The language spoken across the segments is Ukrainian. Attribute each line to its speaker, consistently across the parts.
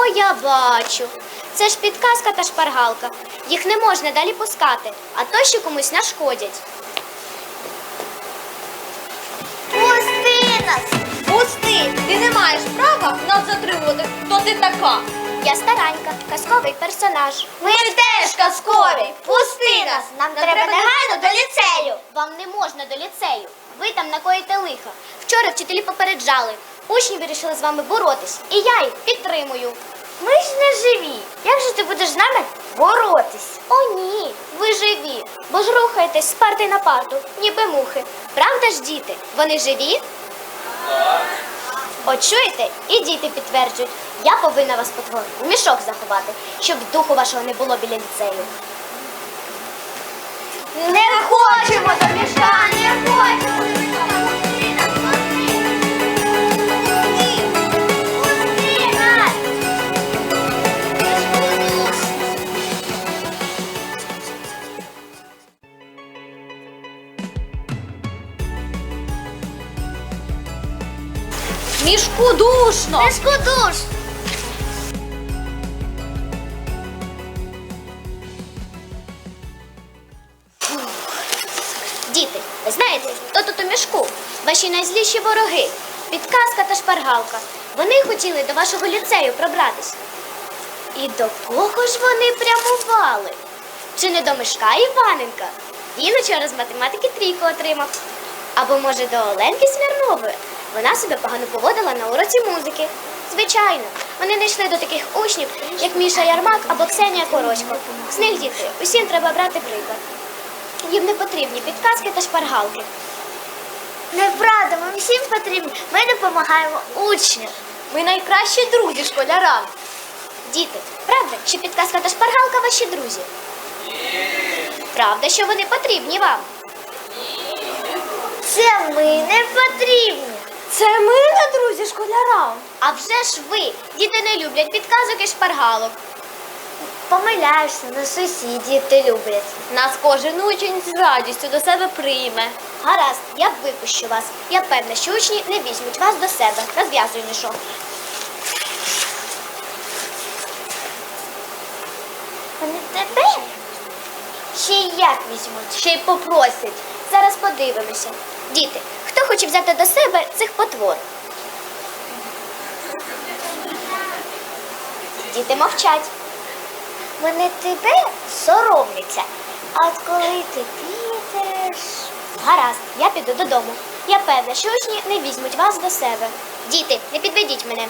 Speaker 1: О, я бачу. Це ж підказка та шпаргалка. Їх не можна далі пускати, а то ще комусь нашкодять.
Speaker 2: Пусти нас!
Speaker 3: Пусти! Ти не маєш права нас затримувати. Хто ти така?
Speaker 1: Я старанька, казковий персонаж.
Speaker 2: Ми теж казкові! Пусти нас! Нам треба негайно до ліцею!
Speaker 1: Вам не можна до ліцею. Ви там накоїте лиха. Вчора вчителі попереджали. Учні вирішили з вами боротись. І я їх підтримую.
Speaker 2: Ми ж не живі. Як же ти будеш з нами боротись?
Speaker 1: О, ні, ви живі, бо ж рухаєтесь з парти на парту, ніби мухи. Правда ж, діти? Вони живі? От чуєте? І діти підтверджують. Я повинна вас, потвор, у мішок заховати, щоб духу вашого не було біля ліцею.
Speaker 2: Не хочемо до мішка, не хочемо! Пусти нас, пусти нас!
Speaker 3: Мішку душно!
Speaker 2: Мішку душ!
Speaker 1: Діти, ви знаєте, хто тут у мішку? Ваші найзліші вороги. Підказка та шпаргалка. Вони хотіли до вашого ліцею пробратись. І до кого ж вони прямували? Чи не до Мишка Іваненка? Він учора з математики трійку отримав. Або, може, до Оленки Смірнової? Вона себе погано поводила на уроці музики. Звичайно, вони не йшли до таких учнів, як Міша Ярмак або Ксенія Корочко. З них, діти, усім треба брати приклад. Їм не потрібні підказки та шпаргалки.
Speaker 2: Неправда, ми всім потрібні. Ми допомагаємо учням.
Speaker 3: Ми найкращі друзі школярам.
Speaker 1: Діти, правда, що підказка та шпаргалка ваші друзі? Правда, що вони потрібні вам?
Speaker 2: Це ми не потрібні.
Speaker 3: Це ми не друзі школярам.
Speaker 1: А вже ж ви, діти не люблять підказок і шпаргалок.
Speaker 2: Помиляєшся, на сусіді ти люблять.
Speaker 3: Нас кожен учень з радістю до себе прийме.
Speaker 1: Гаразд, я випущу вас. Я певна, що учні не візьмуть вас до себе. Розв'язуй мішок.
Speaker 2: Вони тебе ще й як візьмуть.
Speaker 3: Ще й попросять.
Speaker 1: Зараз подивимося. Діти, хто хоче взяти до себе цих потвор? Діти мовчать.
Speaker 2: Вони тебе соромляться. А от коли ти підеш...
Speaker 1: Гаразд, я піду додому. Я певна, що учні не візьмуть вас до себе. Діти, не підведіть мене.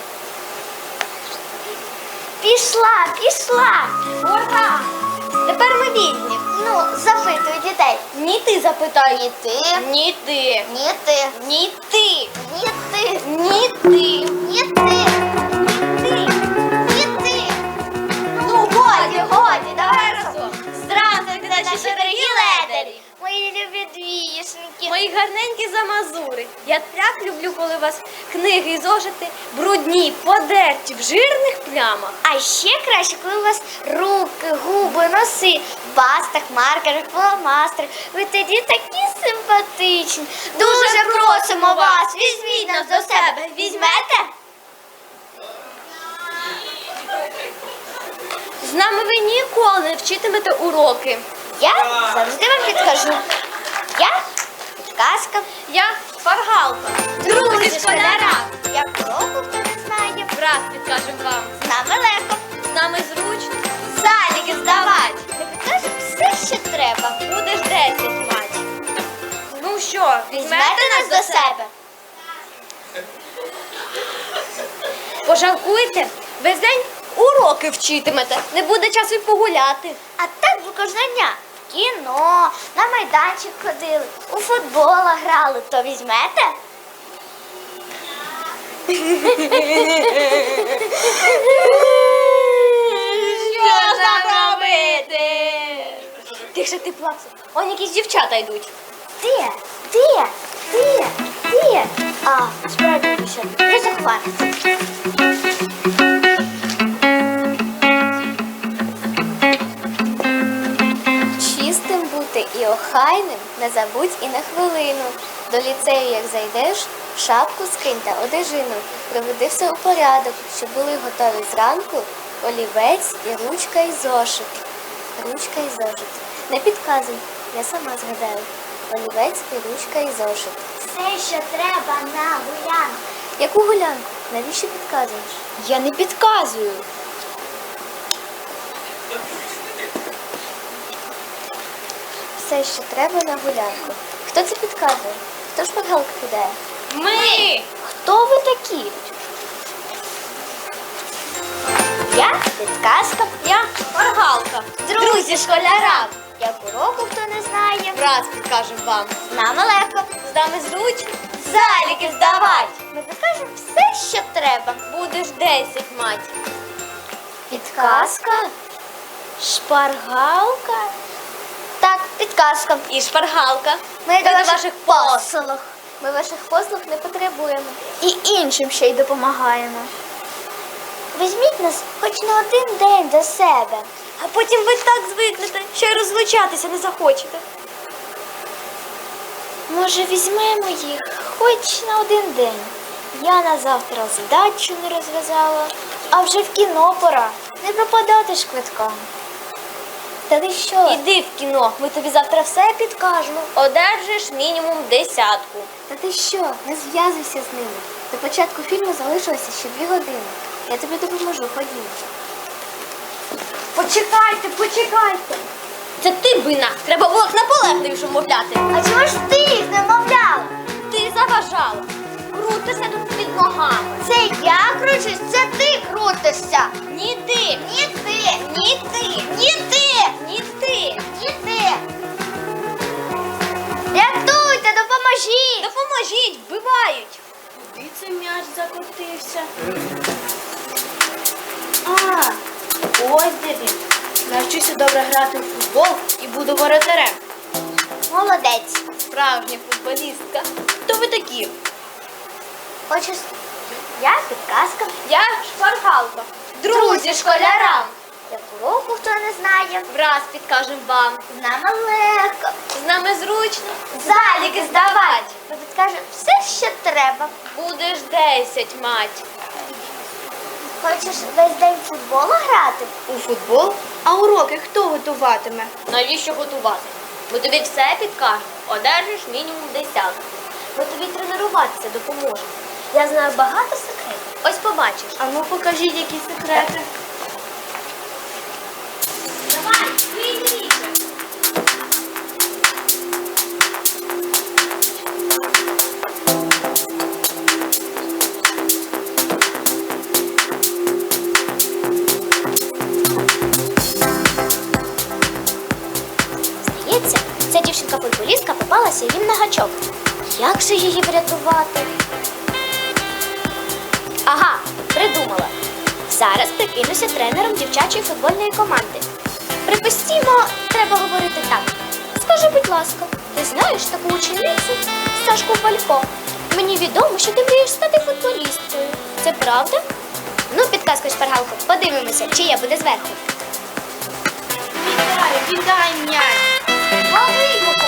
Speaker 2: Пішла, пішла.
Speaker 3: Ура! Тепер ми вільні.
Speaker 2: Ну, запитуй дітей.
Speaker 3: Ні ти запитай.
Speaker 2: Ні ти,
Speaker 3: Ні ти.
Speaker 2: ні ти,
Speaker 3: Ні ти.
Speaker 2: ні ти,
Speaker 3: Ні ти.
Speaker 2: ні ти, ні ти.
Speaker 3: Ну, годі, давай разом. Здравствуйте, наші дорогі ледарі.
Speaker 2: Мої любі двішеньки.
Speaker 3: Мої гарненькі замазури. Я так люблю, коли у вас книги і зошити брудні, подерті, в жирних плямах.
Speaker 2: А ще краще, коли у вас руки, губи, носи, в пастах, маркерах, фломастерах. Ви тоді такі симпатичні. Дуже просимо вас, візьміть нас до себе. Візьмете?
Speaker 3: З нами ви ніколи не вчитимете уроки.
Speaker 2: Я завжди вам підкажу. Я підказка.
Speaker 3: Я шпаргалка. Друзі школяра.
Speaker 2: Я кроку знаю.
Speaker 3: Раз підкажемо вам.
Speaker 2: З нами легко.
Speaker 3: З нами зручно.
Speaker 2: Заліки здавати. Ми підкажемо все, що треба.
Speaker 3: Будеш 10 мать. Ну що,
Speaker 2: Візьмете нас до себе.
Speaker 3: Пожалкуйте, весь день уроки вчитимете. Не буде часу й погуляти.
Speaker 2: А так ви кожного дня в кіно, на майданчик ходили, у футбола грали, то візьмете?
Speaker 3: Що ж нам робити? Тихше ти плакса. Он якісь дівчата йдуть.
Speaker 2: Де? Де? Де? Де? А, справді ще не захватиться.
Speaker 1: Чистим бути і охайним не забудь і на хвилину. До ліцею, як зайдеш, в
Speaker 2: Шапку скиньте, одежину, приведи все у порядок, щоб були готові зранку олівець і ручка і зошит. Ручка і зошит. Не підказуй, я сама згадаю. Олівець і ручка і зошит.
Speaker 1: Все, що треба на гулянку.
Speaker 2: Яку гулянку? Навіщо підказуєш?
Speaker 3: Я не підказую.
Speaker 2: Все, що треба на гулянку. Хто це підказує? Хто шпаргалку кидає?
Speaker 3: Ми!
Speaker 2: Хто ви такі? Я підказка.
Speaker 3: Я шпаргалка.
Speaker 2: Друзі школярам. Як уроку хто не знає.
Speaker 3: Раз підкажемо вам.
Speaker 2: З нами легко.
Speaker 3: З нами зручно.
Speaker 2: Заліки здавать. Ми покажемо все, що треба.
Speaker 3: Будеш 10 мать.
Speaker 2: Підказка?
Speaker 3: Шпаргалка
Speaker 2: Так, підказка.
Speaker 3: і шпаргалка.
Speaker 2: Ми
Speaker 3: до ваших
Speaker 2: послуг. Ми ваших послуг не потребуємо. І іншим ще й допомагаємо. Візьміть нас хоч на один день до себе.
Speaker 3: А потім ви так звикнете, що й розлучатися не захочете.
Speaker 2: Може, візьмемо їх хоч на один день. Я на завтра задачу не розв'язала, а вже в кіно пора. Не пропадати ж квитком. Та ти що?
Speaker 3: Іди в кіно, ми тобі завтра все підкажемо. Одержиш мінімум 10.
Speaker 2: Та ти що? Не зв'язуйся з ними. До початку фільму залишилося ще 2 години. Я тобі допоможу, ходімо.
Speaker 3: Почекайте. Це ти винна. Треба було наполегливіше мовляти.
Speaker 2: А чого ж ти їх не мовляла?
Speaker 3: Ти заважала. Крутися тут під ногами.
Speaker 2: Це я кручусь, це ти крутишся.
Speaker 3: Ні ти.
Speaker 2: Ні ти,
Speaker 3: Ні ти.
Speaker 2: ні ти,
Speaker 3: Ні ти.
Speaker 2: ні ти. Рятуйте, допоможіть.
Speaker 3: Допоможіть, вбивають.
Speaker 4: Куди цей м'яч закотився? А, ось де він. Навчуся добре грати в футбол і буду воротарем.
Speaker 2: Молодець.
Speaker 3: Справжня футболістка. Хто ви такі?
Speaker 2: Хочеш? Я підказка.
Speaker 3: Я шпаргалка. Друзі школярам.
Speaker 2: Як уроку хто не знає.
Speaker 3: Враз підкажемо вам.
Speaker 2: З нами легко.
Speaker 3: З нами зручно.
Speaker 2: Заліки здавать. Ми підкажемо все, що треба.
Speaker 3: Будеш 10 мать.
Speaker 2: Хочеш весь день в футбол грати?
Speaker 4: У футбол? А уроки хто готуватиме?
Speaker 3: Навіщо готувати? Ми тобі все підкажемо. Одержиш мінімум 10. Ми тобі тренуватися допоможемо. Я знаю багато секретів. Ось побачиш.
Speaker 4: А ну покажіть, які секрети.
Speaker 3: Давай, вийди.
Speaker 1: Здається, ця дівчинка-футболістка попалася їм на гачок. Як же її врятувати? Ага, придумала. Зараз прикинуся тренером дівчачої футбольної команди. Припустімо, треба говорити так. Скажи, будь ласка, ти знаєш таку ученицю Сашку Фалько? Мені відомо, що ти мрієш стати футболісткою. Це правда? Ну, підказку шпаргалку, подивимося, чия буде зверху.
Speaker 4: Віддай м'яч.
Speaker 2: Лови його.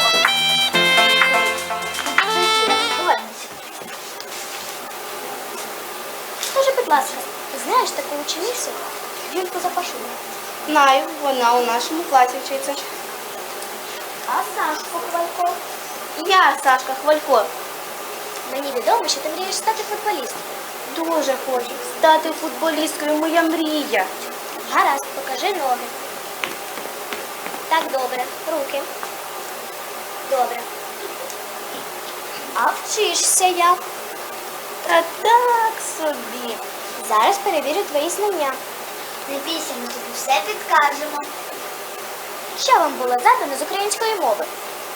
Speaker 1: Скажи, будь ласка, ти знаєш таку ученицю Юльку Запашину?
Speaker 4: Знаю, вона у нашому класі вчиться.
Speaker 1: А Сашку Хвалько?
Speaker 4: Я, Сашка Хвалько,
Speaker 1: Мені відомо, що ти мрієш стати футболісткою.
Speaker 4: дуже хочу стати футболісткою, моя мрія.
Speaker 1: Гаразд, покажи ноги. Так, добре. Руки. Добре. А вчишся як?
Speaker 4: Та так собі.
Speaker 1: Зараз перевірю твої знання.
Speaker 2: Не бійся, ми тобі все підкажемо.
Speaker 1: Що вам було задано з української мови?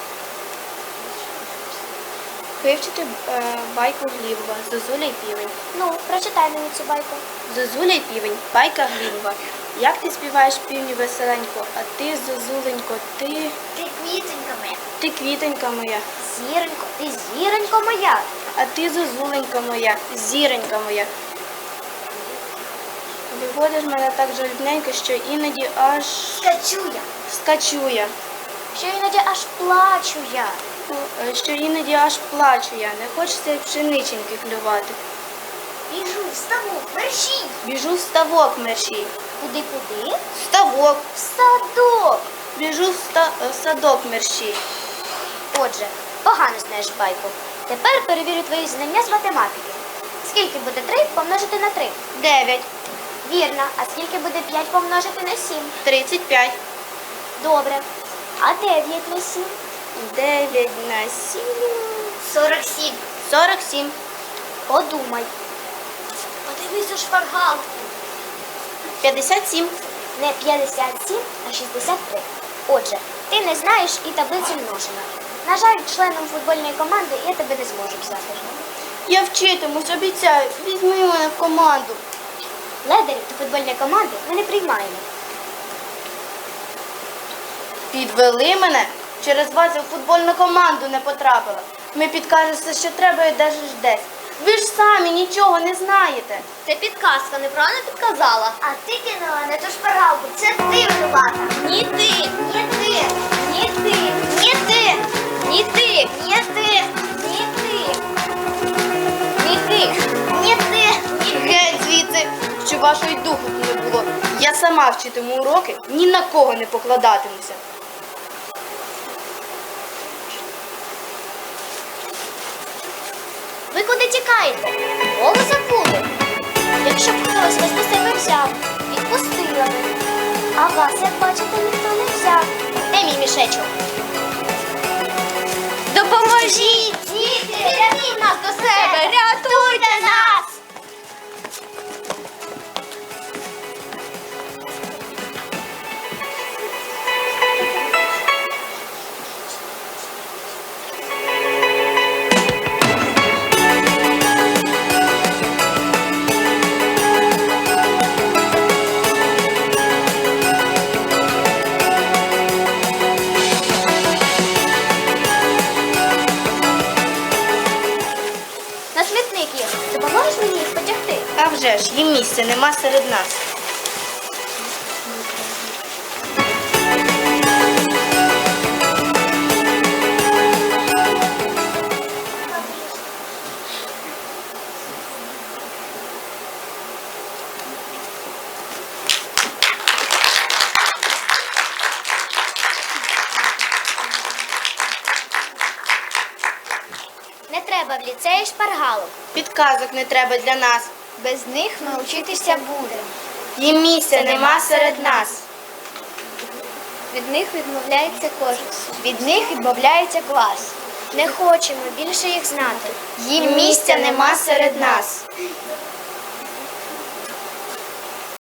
Speaker 4: Вивчити байку Глібова «Зозуля й півень».
Speaker 1: Ну, прочитай мені цю байку.
Speaker 4: Зозуля й півень, байка Глібова. Як ти співаєш півню веселенько, а ти, зозуленько, ти
Speaker 2: Квітенька моя.
Speaker 4: квітонька моя,
Speaker 1: Зіронько, ти зіронько моя.
Speaker 4: а ти, зозуленька моя, зіронька моя. Виводиш мене так жалібненько, що іноді аж
Speaker 2: Скачу я.
Speaker 4: скачу я.
Speaker 1: Що іноді аж плачу я.
Speaker 4: що іноді аж плачу я, не хочеться й пшениченьки клювати.
Speaker 2: Біжу, вставу, мерщій.
Speaker 4: Біжу в ставок мерщій.
Speaker 1: Куди-куди?
Speaker 4: Ставок.
Speaker 1: В садок.
Speaker 4: Біжу в садок мерщій.
Speaker 1: Отже, погано знаєш байку. Тепер перевірю твої знання з математики. Скільки буде 3 помножити на 3?
Speaker 4: 9.
Speaker 1: Вірно. А скільки буде 5 помножити на 7?
Speaker 4: 35.
Speaker 1: Добре. А 9 на 7?
Speaker 4: 9 на 7.
Speaker 2: 47.
Speaker 4: 47.
Speaker 1: Подумай.
Speaker 3: Подивись у шпаргалку.
Speaker 4: 57.
Speaker 1: Не 57, а 63. Отже, ти не знаєш і таблицю множення. На жаль, членом футбольної команди я тебе не зможу взяти.
Speaker 4: Я вчитимусь, обіцяю. Візьми мене в команду.
Speaker 1: Ледерів до футбольної команди ми не приймаємо.
Speaker 4: Підвели мене. Через вас я в футбольну команду не потрапила. Ми підкажете, що треба і держиш десь. Ви ж самі нічого не знаєте.
Speaker 3: Це підказка, неправильно підказала.
Speaker 2: А ти кинула на ту шпаргалку. Це ти винувата.
Speaker 3: Ні ти,
Speaker 2: Ні ти.
Speaker 3: ні ти,
Speaker 2: Ні ти.
Speaker 3: ні ти,
Speaker 2: Ні ти.
Speaker 3: ні ти, ні ти.
Speaker 2: Ні ти.
Speaker 4: Геть звідси, що вашої духу тут не було. Я сама вчитиму уроки, ні на кого не покладатимуся.
Speaker 1: Ви куди тікаєте? Голову забули. Якщо б хтось вас до себе взяв, відпустила би. А вас, як бачите, ніхто не взяв. Де мій мішечок?
Speaker 3: Допоможіть! Діти, рятуйте нас до себе! Рятуйте нас!
Speaker 1: На смітник їх. Допоможеш мені їх потягти?
Speaker 4: А вже ж, їм місця нема серед нас.
Speaker 1: Не треба в ліцеї шпаргалок.
Speaker 4: Підказок не треба для нас.
Speaker 2: Без них ми вчитися будемо.
Speaker 4: Їм місця нема серед нас.
Speaker 2: Від них відмовляється кожен. Від них відмовляється клас.
Speaker 1: Не хочемо більше їх знати.
Speaker 2: Їм місця нема серед нас.